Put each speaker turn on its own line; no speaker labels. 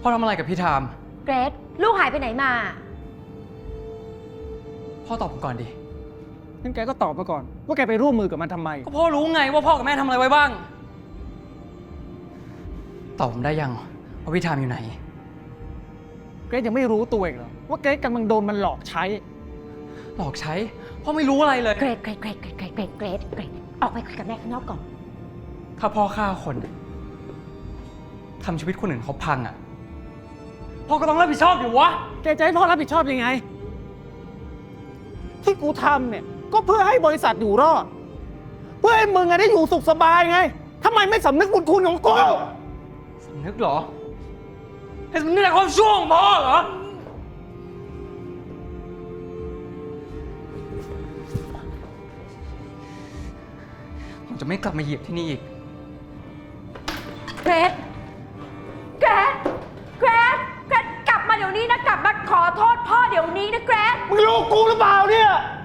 พ่อทำอะไรกับพี่ทาม
เกรซลูกหายไปไหนมา
พ่อตอบผมก่อนดิ
งั้นแกก็ตอบมาก่อนว่าแกไปร่วมมือกับมันทำไม
ก็พ่อรู้ไงว่าพ่อกับแม่ทำอะไรไว้บ้างตอบผมได้ยังว่าพี่ทามอยู่ไหน
เกรซยังไม่รู้ตัวเองเหรอว่าเกรซกำลังโดนมันหลอกใช้
หลอกใช้พ่อไม่รู้อะไรเลย
เกรซออกไปคุยกับแม่ข้างนอกก่อน
ถ้าพ่อฆ่าคนทำชีวิตคนอื่นเขาพังอ่ะพ่อก็ต้องรับผิดชอบอยู่วะ
แกจะให้พ่อรับผิดชอบยังไงที่กูทำเนี่ยก็เพื่อให้บริษัทอยู่รอดเพื่อให้มึงได้อยู่สุขสบายไงทำไมไม่สำนึกบุญคุณของกู
สำนึกเหรอให้สำนึกในความชั่วของพ่อเหรอผมจะไม่กลับมาเหยียบที่นี่อีก
เกรซกลับมาเดี๋ยวนี้นะกลับมาขอโทษพ่อเดี๋ยวนี้นะเกรซ
มึงรู้กูหรือเปล่าเนี่ย